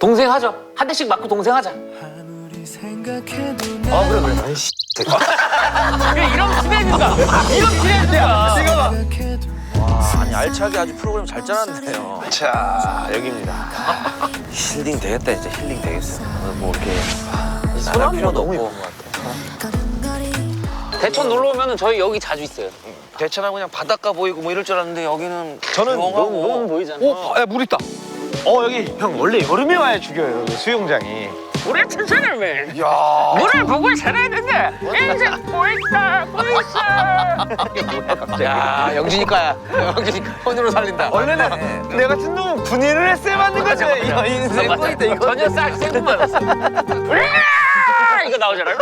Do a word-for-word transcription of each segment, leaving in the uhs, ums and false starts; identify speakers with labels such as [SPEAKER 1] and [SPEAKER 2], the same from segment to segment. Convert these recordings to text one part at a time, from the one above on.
[SPEAKER 1] 동생 하죠. 한 대씩 맞고 동생 하자. 어 그래 그래.
[SPEAKER 2] 아이씨.
[SPEAKER 1] 그래 이런 친해진다. 이런 친해진다.
[SPEAKER 2] 지금 봐.
[SPEAKER 3] 와, 아니 알차게 아주 프로그램 잘 짜놨네요.
[SPEAKER 2] 자, 여기입니다.
[SPEAKER 3] 힐링 되겠다 진짜 힐링 되겠어. 오늘 뭐 이렇게
[SPEAKER 1] 사람
[SPEAKER 3] 필요도
[SPEAKER 1] 너무
[SPEAKER 3] 없고.
[SPEAKER 1] 예쁜 것 같아. 대천 놀러 오면은 저희 여기 자주 있어요.
[SPEAKER 3] 대천하고 그냥 바닷가 보이고 뭐 이럴 줄 알았는데 여기는
[SPEAKER 2] 저는
[SPEAKER 3] 조용하고.
[SPEAKER 1] 너무 보이잖아.
[SPEAKER 2] 오, 야, 물 있다. 어, 여기 형 원래 여름에 와야 죽여요, 여기 수영장이.
[SPEAKER 1] 우리 천천히
[SPEAKER 3] 야.
[SPEAKER 1] 물을 보고 살아야 된다. 인생 보이다 보이다.
[SPEAKER 3] 야 영진이과야. 영진이과 혼으로 살린다.
[SPEAKER 2] 원래는 내 같은 놈은 군인을 했어야 맞는 거지. 야, 인생
[SPEAKER 1] 맞아.
[SPEAKER 2] 꼴이다, 이거.
[SPEAKER 1] 전혀 싹 생각만 했어. 이거 나오잖아.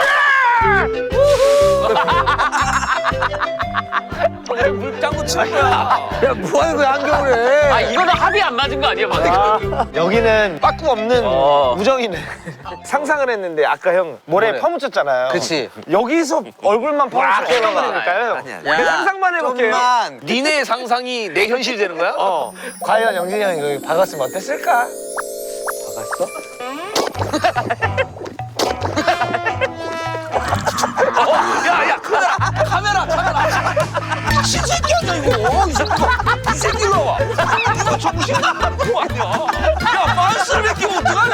[SPEAKER 3] 왜 물장구 치는 거야? 야 뭐하는 거야 한겨울에?
[SPEAKER 1] 아 이거는 합이 안 맞은 거 아니야, 맞아?
[SPEAKER 2] 아, 여기는 빠꾸 없는
[SPEAKER 1] 어.
[SPEAKER 2] 우정이네. 상상을 했는데 아까 형 모래
[SPEAKER 3] 모래.
[SPEAKER 2] 퍼묻혔잖아요.
[SPEAKER 3] 그치.
[SPEAKER 2] 여기서 얼굴만 퍼묻혔다는
[SPEAKER 3] 아니야.
[SPEAKER 2] 거니까요.
[SPEAKER 3] 아니야.
[SPEAKER 2] 내 상상만 해볼게요.
[SPEAKER 3] 좀만 니네 상상이 내 현실이 되는 거야?
[SPEAKER 2] 어. 과연 영진이 형이 여기 박았으면 어땠을까?
[SPEAKER 3] 야야 카메라 카메라 카메라 미친 새끼 아니야 이거 이 새끼 이 새끼 일로 와 이거 정신 나간 거 아니야 야 만스를 베끼면 어떡하냐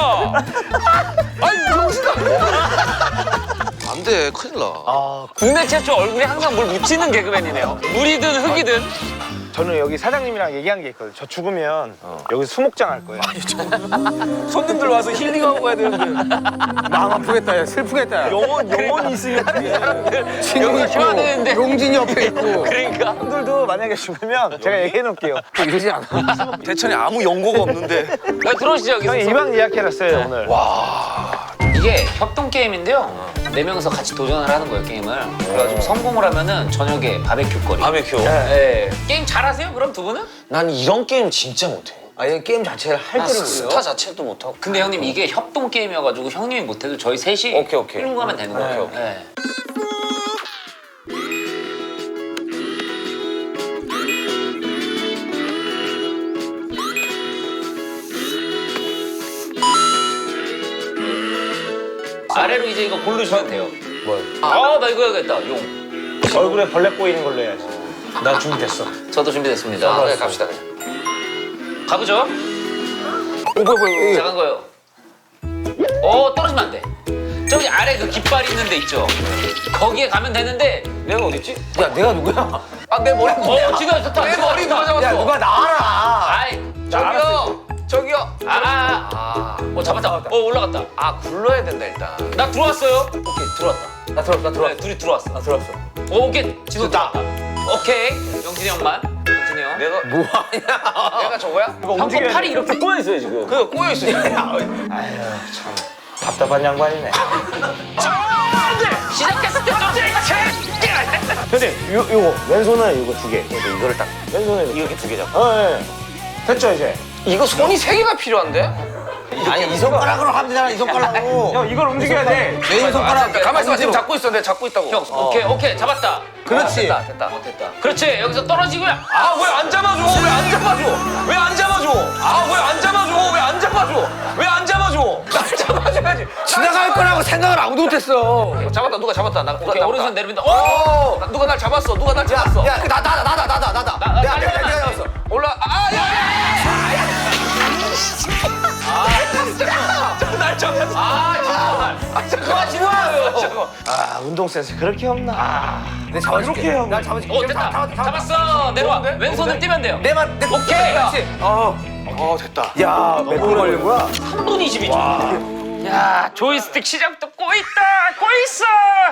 [SPEAKER 3] 아니 정신 나간 안돼 큰일 나
[SPEAKER 2] 아,
[SPEAKER 1] 국내 최초 얼굴에 항상 물 묻히는 개그맨이네요. 물이든 흙이든.
[SPEAKER 2] 저는 여기 사장님이랑 얘기한 게 있거든요. 저 죽으면 여기 수목장 할 거예요.
[SPEAKER 3] 손님들 와서 힐링하고 가야 되는데
[SPEAKER 2] 마음 아프겠다, 야, 슬프겠다. 영원, 영원히 있으면
[SPEAKER 1] 여기 좋아하는데
[SPEAKER 3] 용진이 옆에 있고
[SPEAKER 1] 그러니까.
[SPEAKER 2] 형들도 만약에 죽으면 제가 얘기해 놓을게요.
[SPEAKER 3] 이러지 않아 대천에 아무 연고가 없는데
[SPEAKER 1] 야, 들어오시죠 여기서.
[SPEAKER 2] 형이 이방 예약해놨어요, 오늘.
[SPEAKER 1] 이게 협동 게임인데요. 네 명이서 같이 도전을 하는 거예요, 게임을. 그래가지고 성공을 하면은 저녁에 바베큐 거리.
[SPEAKER 3] 바베큐
[SPEAKER 1] 네. 게임 잘하세요? 그럼 두 분은?
[SPEAKER 3] 난 이런 게임 진짜 못해
[SPEAKER 4] 아예 게임 자체를 할
[SPEAKER 3] 아,
[SPEAKER 4] 줄을 몰라요.
[SPEAKER 3] 스타 자체도 못하고
[SPEAKER 1] 근데 형님 이게 협동 게임이어가지고 형님이 못해도 저희 셋이
[SPEAKER 3] 오케이, 오케이.
[SPEAKER 1] 끌고 가면 되는 거예요.
[SPEAKER 3] 오케이, 오케이.
[SPEAKER 1] 네. 아래로 이제 이거 고르시면 돼요.
[SPEAKER 4] 뭘?
[SPEAKER 1] 아, 나 이거 해야겠다. 용.
[SPEAKER 2] 얼굴에 벌레 꼬이는 걸로 해야지. 나 준비됐어.
[SPEAKER 1] 저도 준비됐습니다.
[SPEAKER 3] 아, 네, 갑시다 그냥
[SPEAKER 1] 가보죠.
[SPEAKER 3] 어, 뭐야 뭐야
[SPEAKER 1] 작은 거요. 어, 떨어지면 안 돼. 저기 아래 그 깃발 있는 데 있죠? 거기에 가면 되는데
[SPEAKER 3] 내가 어딨지?
[SPEAKER 4] 야 내가 누구야?
[SPEAKER 3] 아 내 머리
[SPEAKER 1] 어, 지금 좋다.
[SPEAKER 3] 내 머리 누가 잡았어?
[SPEAKER 4] 야 누가 나와라.
[SPEAKER 1] 아이,
[SPEAKER 3] 저기요 저기요
[SPEAKER 1] 아, 아, 아. 어, 잡았다. 어, 올라갔다.
[SPEAKER 3] 아 굴러야 된다 일단
[SPEAKER 1] 나 들어왔어요. 오케이, 들어왔다.
[SPEAKER 4] 나 들어왔어 나 들어왔어.
[SPEAKER 1] 네, 둘이 들어왔어.
[SPEAKER 4] 나 들어왔어.
[SPEAKER 1] 오, 오케이. 진호 들어왔다. 오케이. 영진이 형만. 영진이 형.
[SPEAKER 3] 내가 뭐하냐 내가 저거야?
[SPEAKER 2] 이거
[SPEAKER 1] 형
[SPEAKER 2] 움직여야
[SPEAKER 1] 팔이
[SPEAKER 2] 돼.
[SPEAKER 1] 이렇게 꼬여 있어요, 지금.
[SPEAKER 3] 그거 꼬여있어
[SPEAKER 2] 답답한 양반이네.
[SPEAKER 1] 시작했을 때 좀
[SPEAKER 2] 형님, 요, 요거, 왼손은 이거 두 개.
[SPEAKER 3] 이거를 딱
[SPEAKER 2] 왼손에
[SPEAKER 3] 이렇게 두 개 잡고
[SPEAKER 2] 어, 예. 됐죠, 이제?
[SPEAKER 3] 이거 손이 세 개가 필요한데?
[SPEAKER 4] 아니 이 손가락으로 하면 되잖아 이 손가락으로.
[SPEAKER 2] 형, 이걸 움직여야 돼.
[SPEAKER 4] 내 손가락.
[SPEAKER 3] 가만히 있어 지금 잡고 있어 내가 잡고 있다고
[SPEAKER 1] 형, 오케이, 오케이. 잡았다.
[SPEAKER 4] 그렇지.
[SPEAKER 3] 됐다 됐다
[SPEAKER 1] 어, 됐다. 그렇지. 여기서 떨어지고요.
[SPEAKER 3] 아 왜 안 잡아줘 왜 안 잡아줘 왜 안 잡아줘 아 왜 안 잡아줘 왜 안 잡아줘 왜 안 잡아줘 나 잡아줘야지
[SPEAKER 4] 지나갈 거라고 생각을 아무도 못했어.
[SPEAKER 3] 잡았다 누가 잡았다 나 누가
[SPEAKER 1] 오케이,
[SPEAKER 3] 나-
[SPEAKER 1] 오른손 내려민다. 오!
[SPEAKER 3] 오! 나- 누가 날 잡았어 누가 날 잡았어
[SPEAKER 4] 야 나 나 나 나 나 나 나.
[SPEAKER 1] 나,
[SPEAKER 4] 야
[SPEAKER 1] 빨리,
[SPEAKER 4] 내가
[SPEAKER 1] 빨리,
[SPEAKER 4] 내가
[SPEAKER 1] 빨리.
[SPEAKER 4] 잡았어.
[SPEAKER 3] 올라 아야야야야 날 잡았어 아 잠깐만 진호야 잠깐만
[SPEAKER 2] 아, 운동 센스 그렇게 없나? 아,
[SPEAKER 4] 내 잡아줄게.
[SPEAKER 2] 이렇게 형.
[SPEAKER 4] 나 잡아줄게.
[SPEAKER 1] 오, 됐다. 잡았어. 내려와. 왼손을 띄면 돼요.
[SPEAKER 4] 내만 내.
[SPEAKER 1] 오케이.
[SPEAKER 4] 그렇지.
[SPEAKER 3] 어 됐다
[SPEAKER 2] 야, 몇 분 걸린 거야?
[SPEAKER 1] 삼 분 이십이 초. 야, 조이스틱 시작부터 꼬있다. 꼬있어.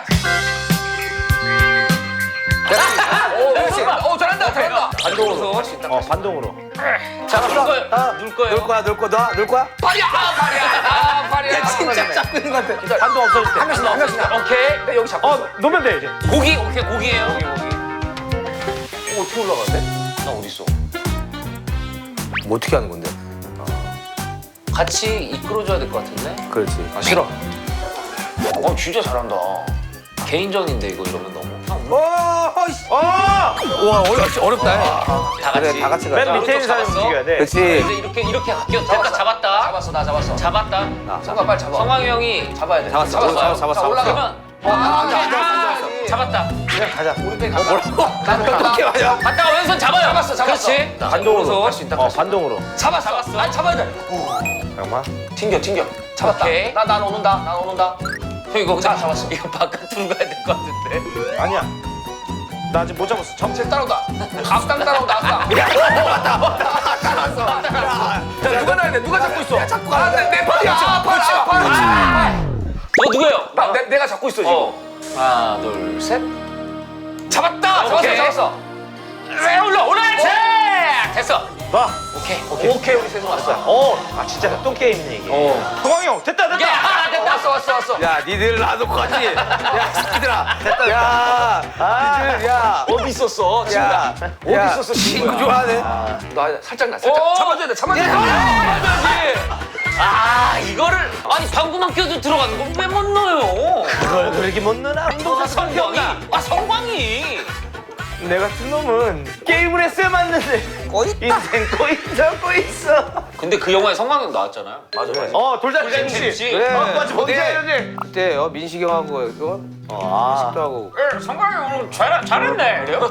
[SPEAKER 3] 오 그렇지 오 잘한다 잘한다
[SPEAKER 1] 반동으로.
[SPEAKER 2] 어, 반동으로.
[SPEAKER 1] 자, 눌 거예요.
[SPEAKER 2] 아,
[SPEAKER 1] 눌 거예요.
[SPEAKER 4] 놀 거야 놀 거야 너 놀 거야?
[SPEAKER 3] 팔이야 아 팔이야 아 팔이야
[SPEAKER 4] 진짜 잡고 있는 것 같아.
[SPEAKER 2] 반동 없어질 때.
[SPEAKER 4] 한 명씩 한 명씩.
[SPEAKER 1] 오케이.
[SPEAKER 3] 내 여기 잡고
[SPEAKER 2] 어, 놓으면 돼, 이제.
[SPEAKER 1] 고기. 오케이, 고기예요.
[SPEAKER 3] 오 어떻게 올라가는데? 나 어디 있어?
[SPEAKER 4] 뭐 어떻게 하는 건데?
[SPEAKER 1] 같이 이끌어줘야 될 것 같은데.
[SPEAKER 4] 그렇지.
[SPEAKER 3] 아 싫어 어 진짜 잘한다
[SPEAKER 1] 개인전인데 이거 이러면 너무. 형,
[SPEAKER 2] 오!
[SPEAKER 4] 씨.
[SPEAKER 2] 어!
[SPEAKER 4] 와 어렵 어렵다.
[SPEAKER 1] 다
[SPEAKER 4] 그래
[SPEAKER 1] 같이.
[SPEAKER 4] 다 같이
[SPEAKER 2] 맨
[SPEAKER 4] 가자.
[SPEAKER 2] 밑에 있는 사람이
[SPEAKER 1] 잡았어?
[SPEAKER 2] 움직여야 돼.
[SPEAKER 4] 그렇지.
[SPEAKER 1] 이제 이렇게 이렇게 갈게요. 됐다 잡았다.
[SPEAKER 3] 잡았어 나 잡았어.
[SPEAKER 1] 잡았다.
[SPEAKER 3] 성광 빨리 잡아.
[SPEAKER 1] 성광이 형이
[SPEAKER 3] 잡아야 돼.
[SPEAKER 4] 잡았어,
[SPEAKER 3] 잡았어.
[SPEAKER 4] 잡았어, 잡았어,
[SPEAKER 3] 자, 올라가.
[SPEAKER 1] 그러면
[SPEAKER 3] 아, 앉아, 앉아,
[SPEAKER 1] 아,
[SPEAKER 3] 앉아.
[SPEAKER 1] 잡았다.
[SPEAKER 2] 그냥 가자.
[SPEAKER 3] 우리 빼 가자. 나는
[SPEAKER 4] 어떻게
[SPEAKER 3] 간다.
[SPEAKER 4] 가냐?
[SPEAKER 1] 갔다가 왼손 잡아요.
[SPEAKER 3] 잡았어, 잡았어.
[SPEAKER 1] 그렇지.
[SPEAKER 2] 반동으로.
[SPEAKER 3] 할수 있다.
[SPEAKER 2] 어, 반동으로.
[SPEAKER 3] 잡았어.
[SPEAKER 1] 잡았어.
[SPEAKER 3] 아니 잡아야 돼.
[SPEAKER 2] 잠깐만.
[SPEAKER 3] 튕겨 튕겨. 잡았다.
[SPEAKER 1] 오케이.
[SPEAKER 3] 나 난 오는다. 난 오는다.
[SPEAKER 1] 형 이거
[SPEAKER 3] 자, 잡았어.
[SPEAKER 1] 이거 바깥으로 가야 될 것 같은데.
[SPEAKER 2] 아니야. 나 아직 못 잡았어. 정...
[SPEAKER 3] 정체 따라온다. 앞당 따라온다. 앞당.
[SPEAKER 4] 자 누가 나야 돼? 누가 잡고 있어?
[SPEAKER 3] 잡고 가. 내, 내 팔이야. 아, 팔, 아, 팔.
[SPEAKER 1] 너 누구예요?
[SPEAKER 3] 나, 내, 내가 잡고 있어 지금.
[SPEAKER 1] 어. 하나 둘 셋.
[SPEAKER 3] 잡았다.
[SPEAKER 1] 오케이.
[SPEAKER 3] 잡았어. 잡았어.
[SPEAKER 1] 왜 올라 올라야지. 됐어.
[SPEAKER 2] 봐.
[SPEAKER 1] 오케이.
[SPEAKER 3] 오케이. 오케이 우리 세종 왔어.
[SPEAKER 2] 어. 아 진짜 협동 게임이네 이게.
[SPEAKER 3] 어.
[SPEAKER 2] 동광이 형 됐다 됐다.
[SPEAKER 1] 야 됐다.
[SPEAKER 3] 왔어 왔어 왔어.
[SPEAKER 4] 야 니들 놔놓고 가지. 야 새끼들아. 됐다. 야
[SPEAKER 2] 아.
[SPEAKER 4] 니들 야.
[SPEAKER 3] 어디 있었어?
[SPEAKER 4] 야.
[SPEAKER 3] 친구야. 어디
[SPEAKER 4] 야,
[SPEAKER 3] 있었어?
[SPEAKER 4] 친구 좋아하네.
[SPEAKER 3] 나 살짝 나 살짝
[SPEAKER 1] 어.
[SPEAKER 3] 잡아줘야 돼. 잡아줘야 돼.
[SPEAKER 1] 아 이거를 아니 방구만 껴도 들어가는 걸 왜 못 넣어요?
[SPEAKER 2] 그걸 그렇게 못 넣나?
[SPEAKER 1] 아 성광이. 아 성광이.
[SPEAKER 2] 내 같은 놈은 게임을 했어야 맞는데. 인생 꼬있어 꼬있어.
[SPEAKER 1] 근데 그 영화에 성광이 나왔잖아요.
[SPEAKER 3] 맞아 맞아.
[SPEAKER 2] 어 돌잔치
[SPEAKER 1] 돌잔치
[SPEAKER 2] 엠씨.
[SPEAKER 1] 엠씨.
[SPEAKER 4] 그래.
[SPEAKER 2] 어 맞아 뭔지
[SPEAKER 4] 그때-
[SPEAKER 2] 알지?
[SPEAKER 4] 그때 어, 민식이 형하고 이거
[SPEAKER 2] 아.
[SPEAKER 4] 식도 하고.
[SPEAKER 1] 에 성광이 오늘 잘 잘했네. 그래요?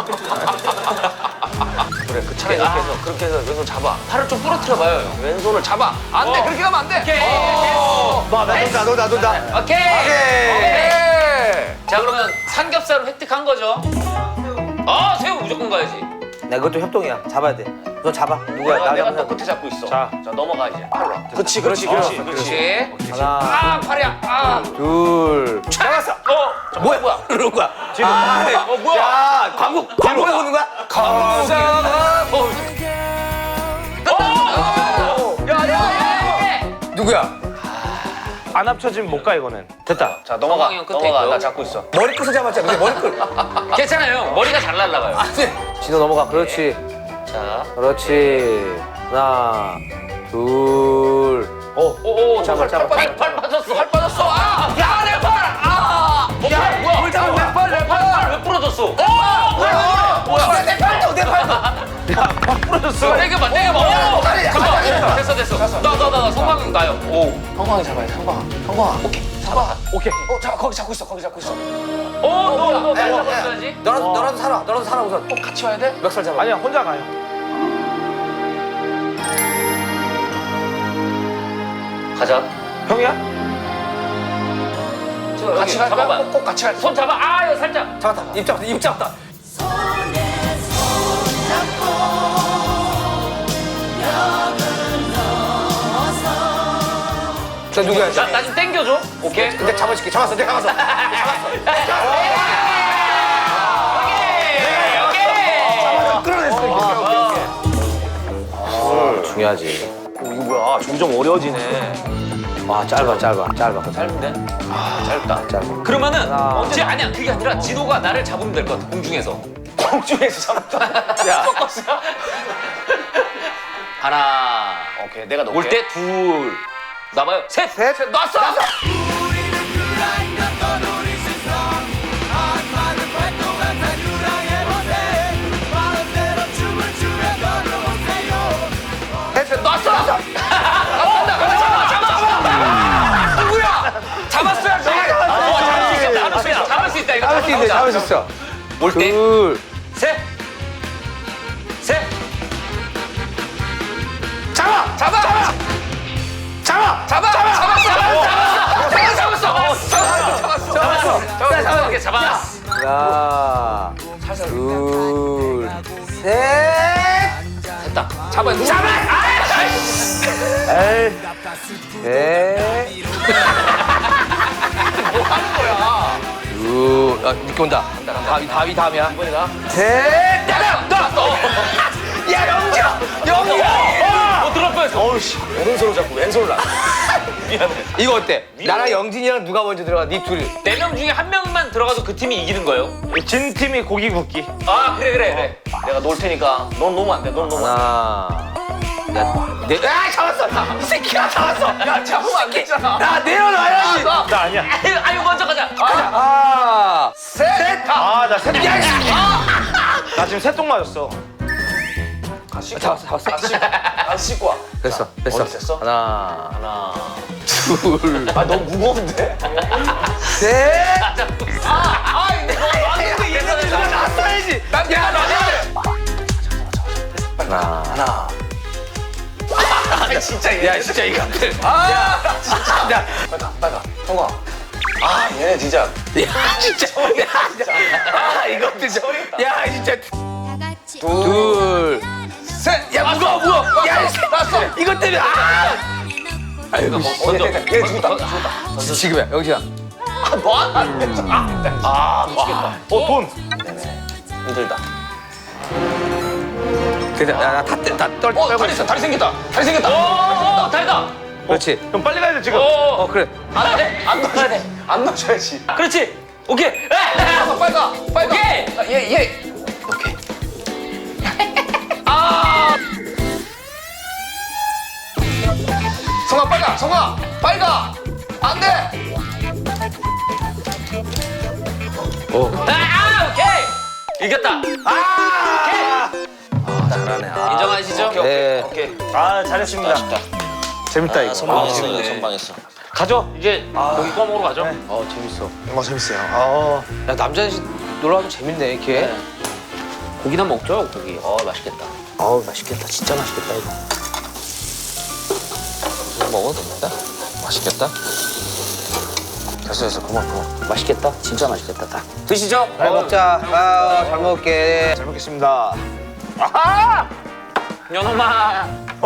[SPEAKER 3] 그래 그 차라리 이렇게 해서 그렇게 해서 왼손 잡아.
[SPEAKER 1] 팔을 좀 부러뜨려 봐요 형.
[SPEAKER 3] 왼손을 잡아. 안 돼.
[SPEAKER 1] 어.
[SPEAKER 3] 그렇게 가면 안 돼.
[SPEAKER 1] 오케이.
[SPEAKER 2] 나 돈다 돈다 돈다.
[SPEAKER 1] 오케이.
[SPEAKER 4] 오케이.
[SPEAKER 3] 오케이.
[SPEAKER 1] 자 그러면 삼겹살을 획득한 거죠. 아 새우 무조건 가야지.
[SPEAKER 4] 나 그것도 협동이야. 잡아야 돼. 너 잡아. 누구야?
[SPEAKER 3] 내가,
[SPEAKER 4] 나
[SPEAKER 3] 내가
[SPEAKER 4] 잡아.
[SPEAKER 3] 또 끝에 잡고 있어.
[SPEAKER 2] 자.
[SPEAKER 3] 자 넘어가 이제. 팔로. 그렇지 그렇지
[SPEAKER 4] 그렇지,
[SPEAKER 3] 그렇지.
[SPEAKER 1] 그렇지.
[SPEAKER 4] 하나,
[SPEAKER 1] 아 팔이야. 아.
[SPEAKER 4] 둘.
[SPEAKER 1] 잡았어. 어.
[SPEAKER 4] 뭐야 뭐야? 이러는 거야.
[SPEAKER 2] 지금
[SPEAKER 4] 아,
[SPEAKER 1] 어 뭐야?
[SPEAKER 4] 야 광고 광고 보는 거야?
[SPEAKER 3] 감사합니다.
[SPEAKER 1] 야야야.
[SPEAKER 4] 누구야?
[SPEAKER 2] 안 합쳐지면 못 가 이거는. 됐다.
[SPEAKER 3] 자 넘어가.
[SPEAKER 1] 성광이 형 끝에
[SPEAKER 3] 넘어가.
[SPEAKER 1] 있고요.
[SPEAKER 3] 나 잡고 있어.
[SPEAKER 4] 머리끝을 잡았잖아. 근데 머리끝.
[SPEAKER 1] 괜찮아요 형. 머리가 잘 날라가요.
[SPEAKER 4] 진호 넘어가. 그렇지.
[SPEAKER 1] 자.
[SPEAKER 4] 그렇지. 하나, 둘. 어.
[SPEAKER 1] 오오
[SPEAKER 4] 잡아, 잡아,
[SPEAKER 1] 팔,
[SPEAKER 4] 잡아.
[SPEAKER 1] 팔 빠졌어.
[SPEAKER 3] 팔 빠졌어. 아. 야내 팔. 아.
[SPEAKER 1] 야 뭐야?
[SPEAKER 3] 뭘 잡아? 내 팔, 내 팔.
[SPEAKER 1] 팔왜 부러졌어? 오
[SPEAKER 3] 뭐야? 뭐야? 내 팔도 내 팔도.
[SPEAKER 1] 부러졌어. 땡겨봐 땡겨봐. 오. 잠깐. 됐어 됐어. 나 나 나 성광이 형 나요. 오.
[SPEAKER 3] 성광이 잡아야 돼. 성광. 성광.
[SPEAKER 1] 오케이. 잡아.
[SPEAKER 2] 오케이.
[SPEAKER 3] 어 잠깐 거기 잡고 있어. 거기 잡고 있어.
[SPEAKER 1] 오너너
[SPEAKER 3] 야, 야, 야.
[SPEAKER 1] 잡았어야지.
[SPEAKER 4] 너라도 너라도 살아. 너라도 살아 우선.
[SPEAKER 3] 꼭 같이 와야 돼?
[SPEAKER 4] 멱살 잡아.
[SPEAKER 2] 아니야 혼자 가요.
[SPEAKER 1] 가자.
[SPEAKER 2] 형이야?
[SPEAKER 3] 같이 갈까?
[SPEAKER 1] 잡아봐.
[SPEAKER 3] 꼭, 꼭 같이 갈까?
[SPEAKER 1] 손 잡아. 아 이거 살짝.
[SPEAKER 4] 잡았다. 입 잡았다. 입 잡았다. 저 누구야?
[SPEAKER 1] 나 나 좀 땡겨줘. 오케이.
[SPEAKER 4] 근데 잡아줄게. 잡았어. 내가 잡았어.
[SPEAKER 1] 오케이. 오케이.
[SPEAKER 4] 중요하지.
[SPEAKER 3] 어, 이거 뭐야? 점점 어려워지네.
[SPEAKER 4] 와 짧아 짧아 짧아.
[SPEAKER 1] 짧은데? 아 짧다.
[SPEAKER 4] 짧아.
[SPEAKER 1] 그러면은
[SPEAKER 4] 하나.
[SPEAKER 1] 언제 아니야 그게 아니라 진호가 나를 잡으면 될 것 같아 공중에서.
[SPEAKER 3] 공중에서 잡았다.
[SPEAKER 1] 야. 꺾었어. 하나.
[SPEAKER 3] 오케이, 내가 넣을게.
[SPEAKER 1] 올 때 둘. 나봐요. 셋.
[SPEAKER 4] 셋.
[SPEAKER 1] 놨어.
[SPEAKER 3] 셋, 놨어!
[SPEAKER 1] 놨어. 누구야? 잡았어야지. 어, 잡을 수 있겠다. 잡을 수 있다. 잡을 수 있다. 이거
[SPEAKER 4] 잡을 수 있네. 잡을 수 있어.
[SPEAKER 1] 올 때.
[SPEAKER 4] 둘.
[SPEAKER 1] 셋. 셋.
[SPEAKER 3] 잡아! 잡아! 잡아! 잡아! 잡아! 잡았어! 잡았어! 잡았어! 잡았어! 잡았어!
[SPEAKER 1] 잡았어. 잡았어. 오케이, 잡았어.
[SPEAKER 4] 하나, 둘, 셋.
[SPEAKER 1] 됐다.
[SPEAKER 3] 잡아! 잡아!
[SPEAKER 2] 에이.
[SPEAKER 4] 셋.
[SPEAKER 3] 뭐 하는 거야?
[SPEAKER 4] 둘. 아, 늦게 온다. 다위 다위 다음이야.
[SPEAKER 3] 이번에가?
[SPEAKER 4] 셋.
[SPEAKER 3] 야, 영지야! 영지야!
[SPEAKER 1] 어, 들어갈 뻔했어.
[SPEAKER 3] 어우씨, 오른손으로 잡고 왼손으로 놔. 미안해.
[SPEAKER 4] 이거 어때? 나랑 영진이랑 누가 먼저 들어가? 네 둘이.
[SPEAKER 1] 네 명 중에 한 명만 들어가도 그 팀이 이기는 거예요?
[SPEAKER 2] 진 팀이 고기 굽기.
[SPEAKER 1] 아, 그래, 그래, 그래.
[SPEAKER 3] 내가 놓을 테니까 넌 놓으면 안 돼, 넌 놓으면 안 돼.
[SPEAKER 4] 하나. 야, 네.
[SPEAKER 3] 야, 잡았어! 이 새끼야, 잡았어! 야, 잡으면 안 되잖아.
[SPEAKER 4] 나 내려놔야지.
[SPEAKER 2] 나 아니야.
[SPEAKER 1] 아유, 아유, 먼저 가자.
[SPEAKER 4] 하나,
[SPEAKER 3] 셋!
[SPEAKER 2] 아 나 새똥. 나 지금 새똥 맞았어.
[SPEAKER 3] 잡았어 잡았어.
[SPEAKER 4] 안 씻고 와.
[SPEAKER 3] 됐어 됐어.
[SPEAKER 4] 어디 됐어?
[SPEAKER 3] 하나
[SPEAKER 4] 하나. 둘. 아 너무 무거운데?
[SPEAKER 3] 셋.
[SPEAKER 4] 아 이거 왔는데 얘는 이거 났어야지. 난 내가 났는데.
[SPEAKER 3] 하나.
[SPEAKER 4] 하나. 아 진짜 얘.
[SPEAKER 3] 야 진짜 이거.
[SPEAKER 4] 아 진짜. 야 빨리 가 빨리 가. 성아. 아 얘네 진짜.
[SPEAKER 3] 야 진짜. 야 진짜. 아 이거 진짜. 야 진짜. 둘. 셋. 야 무거워 무거워. 야 났어. 이것 때문에. 아. 아이고
[SPEAKER 4] 먼저. 얘 죽었다 죽었다.
[SPEAKER 3] 지금이야 영신아.
[SPEAKER 4] 아너안 돼. 아 미치겠다.
[SPEAKER 2] 어 돈.
[SPEAKER 4] 힘들다.
[SPEAKER 3] 그래 나다떨
[SPEAKER 4] 어 다리 있어 다리 생겼다. 다리 생겼다.
[SPEAKER 1] 어, 다리다.
[SPEAKER 3] 그렇지.
[SPEAKER 2] 형 빨리 가야 돼 지금.
[SPEAKER 3] 어 그래.
[SPEAKER 4] 안 돼. 안 넣어야 돼. 안 넣어줘야지.
[SPEAKER 1] 그렇지. 오케이.
[SPEAKER 4] 빨리 가. 빨리 가.
[SPEAKER 1] 오케이.
[SPEAKER 4] 얘 얘. 오케이. 성아 빨리 가. 성아 빨리 가. 안 돼.
[SPEAKER 1] 아, 아, 오케이. 이겼다.
[SPEAKER 4] 아 잘하네. 아.
[SPEAKER 1] 인정하시죠?
[SPEAKER 4] 오케이
[SPEAKER 3] 네.
[SPEAKER 4] 오케이. 오케이.
[SPEAKER 2] 아 잘했습니다. 재밌다 이거.
[SPEAKER 4] 선방했어.
[SPEAKER 3] 재밌네.
[SPEAKER 4] 선방했어.
[SPEAKER 1] 가죠. 이제 고기 구워 먹으러 가죠.
[SPEAKER 3] 어 재밌어.
[SPEAKER 2] 어 재밌어요. 아.
[SPEAKER 3] 야 남자셋이 놀러가면 재밌네 이렇게.
[SPEAKER 1] 고기나 먹죠, 고기. 어, 맛있겠다.
[SPEAKER 3] 어우 맛있겠다. 진짜 맛있겠다 이거.
[SPEAKER 4] 이거 먹어도 됩니다. 맛있겠다. 됐어 됐어 그만 그만.
[SPEAKER 1] 맛있겠다. 진짜 맛있겠다. 딱. 드시죠.
[SPEAKER 3] 잘 먹자. 아, 잘 먹을게.
[SPEAKER 2] 잘 먹겠습니다.
[SPEAKER 1] 연엄아.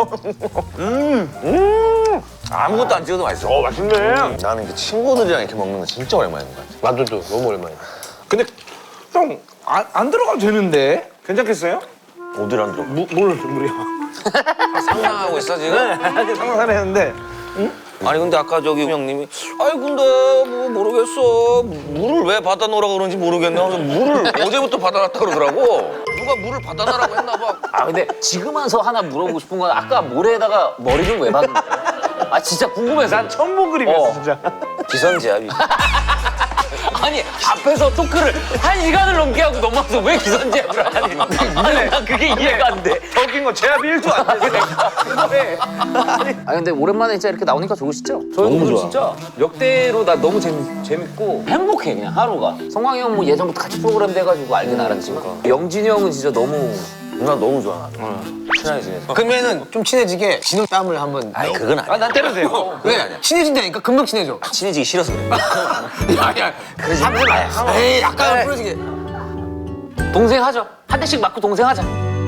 [SPEAKER 4] 아무것도 안 찍어도 맛있어.
[SPEAKER 2] 어 맛있네.
[SPEAKER 4] 나는 그 친구들이랑 이렇게 먹는 거 진짜 오랜만인 것 같아.
[SPEAKER 3] 나도 또 너무 오랜만이야.
[SPEAKER 2] 근데 형 안 안 들어가도 되는데 괜찮겠어요?
[SPEAKER 4] 어디를 안 들어?
[SPEAKER 2] 무, 물 물이요.
[SPEAKER 4] 상상하고 있어 지금?
[SPEAKER 2] 네. 상상하는데.
[SPEAKER 4] 아니 근데 아까 저기 형님이 아이 근데 뭐 모르겠어 물을 왜 받아 놓으라 그러는지 모르겠네 하면서 물을 어제부터 받아놨다 그러더라고. 누가 물을 받아놔라고 했나 봐.
[SPEAKER 1] 아, 근데 지금 와서 하나 물어보고 싶은 건 아까 모래에다가 머리를 왜 박은 거야? 아, 진짜 궁금해서.
[SPEAKER 2] 난 처음 본 그림이었어
[SPEAKER 1] 어.
[SPEAKER 2] 진짜.
[SPEAKER 4] 기선제압.
[SPEAKER 1] 아니, 앞에서 토크를 한 시간을 넘게 하고 넘어와서 왜 기선제압을 하니? 아니, 난 그게 이해가 안 돼.
[SPEAKER 2] 더 웃긴 건 제압이 일도 안 돼. 왜?
[SPEAKER 1] 아 근데 오랜만에 진짜 이렇게 나오니까 좋으시죠? 저희 오늘 진짜 역대로 나 너무 재밌, 재밌고 행복해 그냥 하루가. 성광이 형 뭐 예전부터 같이 프로그램 돼가지고 알긴 알았지만 영진이 형은 진짜 너무
[SPEAKER 4] 누나 너무 좋아. 친하게 지내서.
[SPEAKER 3] 그러면은 좀 친해지게 진흙 땀을 한번.
[SPEAKER 4] 아니 그건 아니야.
[SPEAKER 2] 아난 때려도 돼요.
[SPEAKER 3] 왜 아니야? 친해진다니까 금방 친해져.
[SPEAKER 4] 친해지기 싫어서 그래.
[SPEAKER 3] 야야. 그러지 마. 에이 약간 부러지게.
[SPEAKER 1] 동생 하죠. 한 대씩 맞고 동생 하자.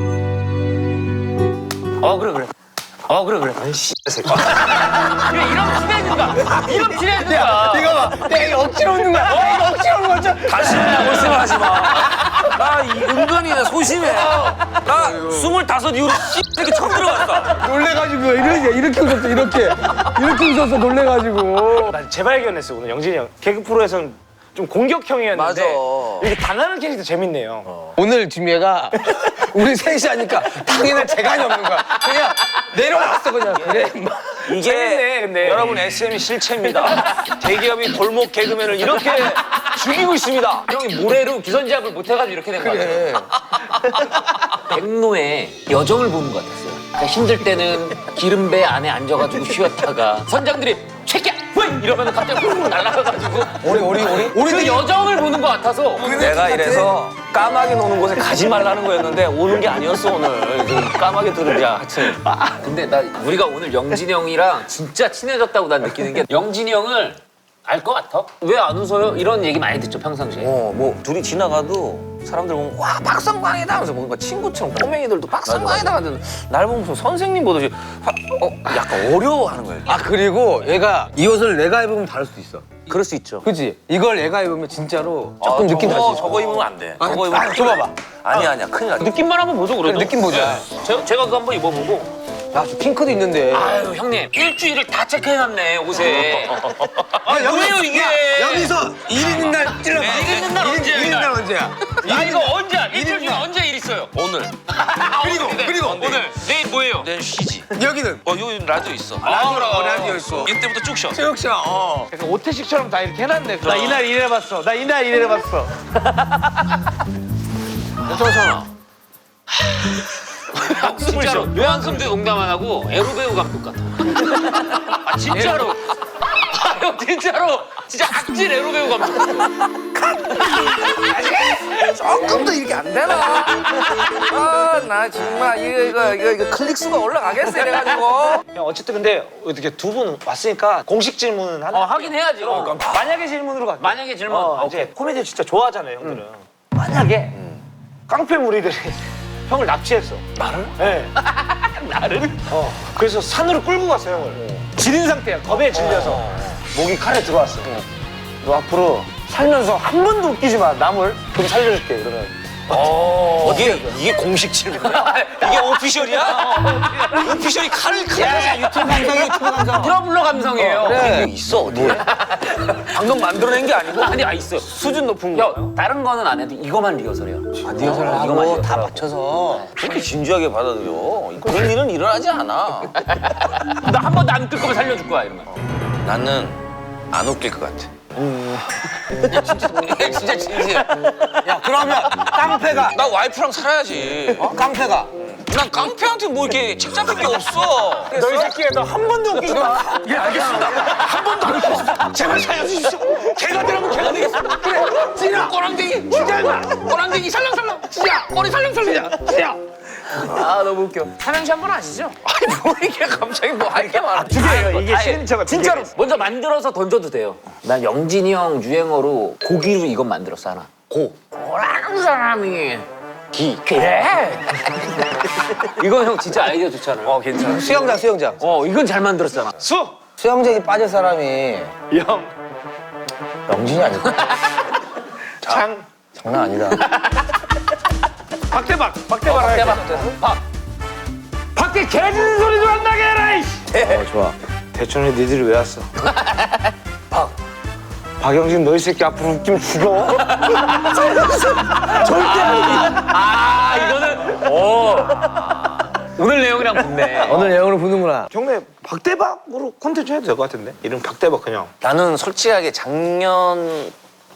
[SPEAKER 1] 어 그래 그래. 어 그래 그래. 아이씨. 이런 친해진다. 이런 친해진다.
[SPEAKER 3] 이거 봐. 내가 이거 억지로 웃는 거야. 어, 이거 억지로 웃는 거죠?
[SPEAKER 4] 다시 말씀을 하지 마. 나 이- 은근히 소심해. 나 스물다섯 이후로 이렇게 처음 들어갔어.
[SPEAKER 3] 놀래가지고 이렇게 이렇게 웃었어 이렇게 이렇게 웃었어 놀래가지고.
[SPEAKER 2] 난 재발견했어 오늘 영진이 형. 개그 프로에서는 좀 공격형이었는데
[SPEAKER 4] 맞아.
[SPEAKER 2] 이렇게 당하는 캐릭터 재밌네요.
[SPEAKER 3] 오늘 지금 얘가 우리 셋이 하니까 당연한 재간이 없는 거야. 그냥 내려왔어 그냥. 그래.
[SPEAKER 4] 이게
[SPEAKER 2] 재밌네, 근데.
[SPEAKER 4] 여러분 에스엠이 실체입니다. 대기업이 골목 개그맨을 이렇게 죽이고 있습니다.
[SPEAKER 1] 형이 모래로 기선제압을 못 해가지고 이렇게 된 거
[SPEAKER 3] 그래.
[SPEAKER 1] 같아요. 백로의 여정을 보는 것 같았어요. 그러니까 힘들 때는 기름배 안에 앉아가지고 쉬었다가 선장들이 최끼야! 왜! 이러면 갑자기 훅 날아가가지고
[SPEAKER 3] 우리 우리 우리
[SPEAKER 1] 그 여정을 보는 것 같아서
[SPEAKER 4] 내가 이래서 까마귀 노는 곳에 가지 말라는 거였는데 오는 게 아니었어 오늘. 좀 까마귀 들으자 하여튼.
[SPEAKER 1] 아, 근데 나 우리가 오늘 영진이 형이랑 진짜 친해졌다고 난 느끼는 게 영진이 형을 알 것 같아? 왜 안 웃어요? 이런 얘기 많이 듣죠 평상시에.
[SPEAKER 4] 어, 뭐 둘이 지나가도 사람들 보면 와 박성광이다 하면서 뭔가 친구처럼 꼬맹이들도 박성광이다 하는데 날 보면 무슨 선생님 보듯이 화- 어, 약간 어려워하는 거야.
[SPEAKER 3] 아 그리고 얘가 이 옷을 내가 입으면 다를 수도 있어.
[SPEAKER 4] 그럴 수 있죠.
[SPEAKER 3] 그치? 이걸 얘가 입으면 진짜로 조금 느낌
[SPEAKER 4] 저거,
[SPEAKER 3] 다르지.
[SPEAKER 4] 저거 입으면 안 돼.
[SPEAKER 3] 아,
[SPEAKER 4] 저거 입으면
[SPEAKER 3] 아, 줘봐봐.
[SPEAKER 4] 아니야 아니야 큰일 나.
[SPEAKER 1] 느낌만 한번 보죠 그래도.
[SPEAKER 3] 느낌 보자.
[SPEAKER 1] 제가, 제가 그거 한번 입어보고.
[SPEAKER 3] 야, 저 핑크도 있는데.
[SPEAKER 1] 아유 형님 일주일을 다 체크해놨네 옷에. 아 왜요 이게?
[SPEAKER 3] 여기서 일 있는 날 찔러봐.
[SPEAKER 1] 일 있는 날 언제야,
[SPEAKER 3] 일 있는 날 언제야?
[SPEAKER 1] 아 이거 언제야? 일주일 중에 언제 일 있어요?
[SPEAKER 4] 오늘
[SPEAKER 3] 그리고, 그리고.
[SPEAKER 1] 오늘 내일
[SPEAKER 4] 뭐예요? 내 쉬지.
[SPEAKER 3] 여기는
[SPEAKER 4] 어 여기 라디오 있어.
[SPEAKER 3] 라디오라 어, 라디오 있어.
[SPEAKER 4] 이때부터 쭉 쉬어.
[SPEAKER 3] 최욱 씨야. 어.
[SPEAKER 2] 약간 오태식처럼 다 이렇게 해놨네. 나 이날 이래봤어. 나 이날 이래봤어.
[SPEAKER 1] 괜찮잖아. 진짜로 요한금도 농담 안 하고 에로배우 감독 같아. 아 진짜로. 아 형 진짜로 진짜 악질 에로배우 감독 같아.
[SPEAKER 3] 조금 더 이렇게 안 되나? 아, 나 정말 이거 이거 이거, 이거 클릭 수가 올라가겠어 이래가지고.
[SPEAKER 2] 형 어쨌든 근데 어떻게 두 분 왔으니까 공식 질문은 하나.
[SPEAKER 1] 어 하긴 해야지. 어.
[SPEAKER 2] 만약에 질문으로 갈게.
[SPEAKER 1] 만약에 질문.
[SPEAKER 2] 어,
[SPEAKER 1] 오케이.
[SPEAKER 2] 이제 코미디 진짜 좋아하잖아요, 형들은. 만약에 깡패 무리들이 형을 납치했어.
[SPEAKER 3] 나를?
[SPEAKER 2] 네.
[SPEAKER 1] 나를?
[SPEAKER 2] 어. 그래서 산으로 끌고 갔어 형을. 지린 상태야. 겁에 질려서 목이 칼에 들어왔어. 너 앞으로 살면서 한 번도 웃기지 마. 남을 좀 살려줄게. 그러면.
[SPEAKER 4] 어, 이게 이게 공식 질문이야? 이게 오피셜이야? 오피셜이 칼을 크.
[SPEAKER 1] 야 유튜브 감성 유튜브 감성. 브라블러 감성이에요.
[SPEAKER 4] 이게 있어 어디에?
[SPEAKER 3] 방금 만들어낸 게 아니고
[SPEAKER 1] 아니 아 있어.
[SPEAKER 3] 수준 높은
[SPEAKER 1] 야
[SPEAKER 3] 거.
[SPEAKER 1] 다른 거는 안 해도 이거만 리허설이야.
[SPEAKER 3] 아, 리허설을 하고
[SPEAKER 1] 이거만
[SPEAKER 3] 다
[SPEAKER 1] 리허설하고.
[SPEAKER 3] 맞춰서.
[SPEAKER 4] 그렇게 진지하게 받아들여. 그런 일은 일어나지 않아.
[SPEAKER 1] 나 한 번도 안 웃길 거면 살려줄 거야 이러면.
[SPEAKER 4] 나는 안 웃길 것 같아. 진짜 진짜 진지해.
[SPEAKER 3] 야 그러면 깡패가
[SPEAKER 4] 나 와이프랑 살아야지.
[SPEAKER 3] 어? 깡패가
[SPEAKER 4] 난 깡패한테 뭐 이렇게 책 잡힌 게 없어.
[SPEAKER 2] 너 이 새끼야. 너 한 번도 웃기지 마.
[SPEAKER 3] 예 알겠습니다. 한 번도 안 웃겼습니다. 제발 살려주십시오. 개가 되라면 개가 되겠습니다. 그래 찌라 꼬랑댕이 진짜 임마 꼬랑댕이 살랑살랑 찌야 꼬리 살랑살랑 찌야.
[SPEAKER 1] 아 너무 웃겨. 삼행시 한 번 아시죠?
[SPEAKER 4] 아니 뭐 이게 갑자기 뭐 할 게 많아.
[SPEAKER 2] 두 개예요. 이게
[SPEAKER 1] 아예
[SPEAKER 2] 시그니처가 두
[SPEAKER 1] 진짜로
[SPEAKER 2] 개예요.
[SPEAKER 1] 먼저 만들어서 던져도 돼요. 난 영진이 형 유행어로 고기로 이건 만들었어 하나. 고. 고라는 사람이 기. 그래. 이건 형 진짜 아이디어 좋잖아. 어 괜찮아.
[SPEAKER 3] 수영장 수영장.
[SPEAKER 1] 어 이건 잘 만들었잖아.
[SPEAKER 2] 수.
[SPEAKER 3] 수영장에 빠질 사람이
[SPEAKER 2] 영.
[SPEAKER 3] 영진이 아닐까?
[SPEAKER 2] 창.
[SPEAKER 3] 장난 아니다.
[SPEAKER 2] 박대박. 박대박. 해야 돼.
[SPEAKER 1] 대박. 박.
[SPEAKER 2] 밖에 개 짖는 소리도 안 나게 해라. 이씨.
[SPEAKER 3] 어 좋아.
[SPEAKER 2] 대천에 니들이 왜 왔어? 박. 박영진 너 이 새끼 앞으로 웃기면 죽어. 절대 아니야.
[SPEAKER 1] 아 이거는 오. 오늘 내용이랑 붙네.
[SPEAKER 3] 오늘 내용으로 보는구나.
[SPEAKER 2] 경례 박대박으로 콘텐츠 해도 될 것 같은데? 이름 박대박 그냥.
[SPEAKER 4] 나는 솔직하게 작년쯤에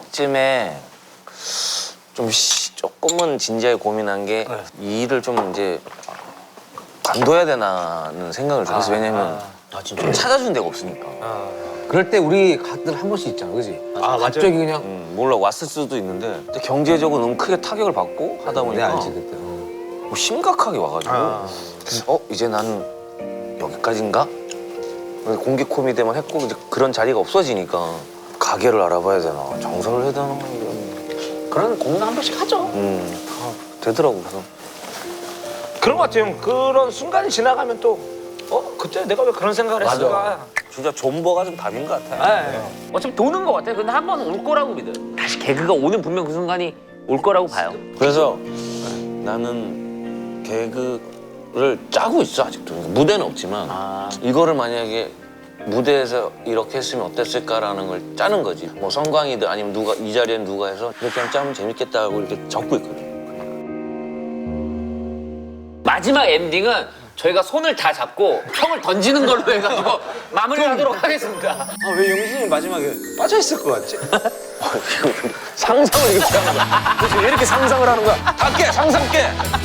[SPEAKER 4] 좀 시- 조금은 진지하게 고민한 게 이 일을 좀 이제 관둬야 되나는 생각을 좀 했어. 왜냐면 좀 찾아준 데가 없으니까.
[SPEAKER 3] 그럴 때 우리 가끔 한 번씩 있잖아, 그지?
[SPEAKER 2] 아, 맞아.
[SPEAKER 3] 갑자기 그냥.
[SPEAKER 4] 음, 몰라 왔을 수도 있는데 근데 경제적으로 너무 크게 타격을 받고 하다
[SPEAKER 3] 내
[SPEAKER 4] 보니까
[SPEAKER 3] 알지 그때. 어.
[SPEAKER 4] 뭐 심각하게 와가지고
[SPEAKER 2] 아.
[SPEAKER 4] 그래서 어 이제 나는 여기까지인가? 공개 코미디만 했고 이제 그런 자리가 없어지니까 가게를 알아봐야 되나 정서를 해야 되나 이런
[SPEAKER 1] 그런 고민 한 번씩 하죠.
[SPEAKER 4] 음 되더라고. 그래서
[SPEAKER 2] 그런 것 같아요. 형. 그런 순간이 지나가면 또 어? 그때 내가 왜 그런 생각을 했을까?
[SPEAKER 4] 진짜 존버가 좀 답인 것 같아.
[SPEAKER 2] 네.
[SPEAKER 1] 어차피 도는 것 같아. 근데 한 번 올 거라고 믿어요. 다시 개그가 오는 분명 그 순간이 올 거라고 봐요.
[SPEAKER 4] 그래서 나는 개그를 짜고 있어 아직도. 그러니까 무대는 없지만
[SPEAKER 1] 아.
[SPEAKER 4] 이거를 만약에 무대에서 이렇게 했으면 어땠을까라는 걸 짜는 거지. 뭐 성광이든 아니면 누가 이 자리엔 누가 해서 이렇게 하면 짜면 재밌겠다 하고 이렇게 적고 있거든.
[SPEAKER 1] 마지막 엔딩은 저희가 손을 다 잡고 형을 던지는 걸로 해가지고 마무리하도록 하겠습니다.
[SPEAKER 2] 아, 왜 영진이 마지막에 빠져있을 것 같지?
[SPEAKER 4] 상상을 이렇게 하는 거야.
[SPEAKER 2] 도대체 왜 이렇게 상상을 하는 거야?
[SPEAKER 4] 다 깨! 상상 깨!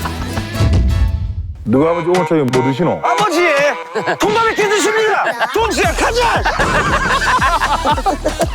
[SPEAKER 5] 너가 아버지 오늘 저녁 뭐 드시노?
[SPEAKER 2] 아버지! 통감에 깨드십니다! 동수야 가자!